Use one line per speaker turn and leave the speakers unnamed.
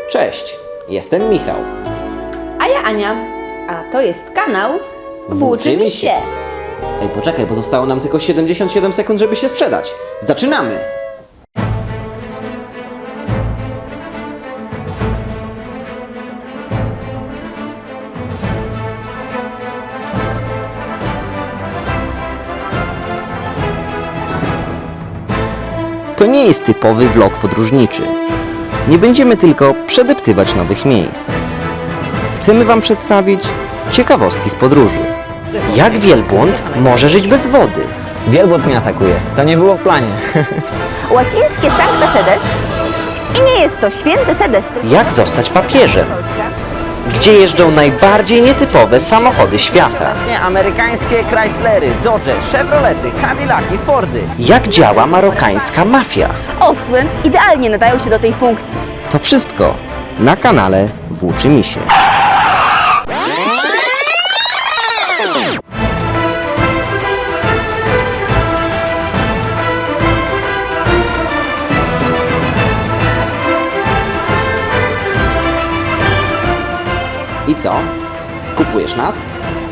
Cześć, jestem Michał.
A ja Ania, a to jest kanał
Włóczy mi się.
się.
Ej, poczekaj, bo zostało nam tylko 77 sekund, żeby się sprzedać. Zaczynamy! To nie jest typowy vlog podróżniczy. Nie będziemy tylko przedeptywać nowych miejsc. Chcemy Wam przedstawić ciekawostki z podróży. Jak wielbłąd może żyć bez wody?
Wielbłąd mnie atakuje. To nie było w planie.
Łacińskie Sancta Sedes i nie jest to święty Sedes, tylko
Jak zostać papieżem?
Polska.
Gdzie jeżdżą najbardziej nietypowe samochody świata?
Amerykańskie Chryslery, Dodge, Chevrolety, Cadillaki, Fordy.
Jak działa marokańska mafia?
Osły idealnie nadają się do tej funkcji.
To wszystko na kanale Włóczy mi się. I co? Kupujesz nas?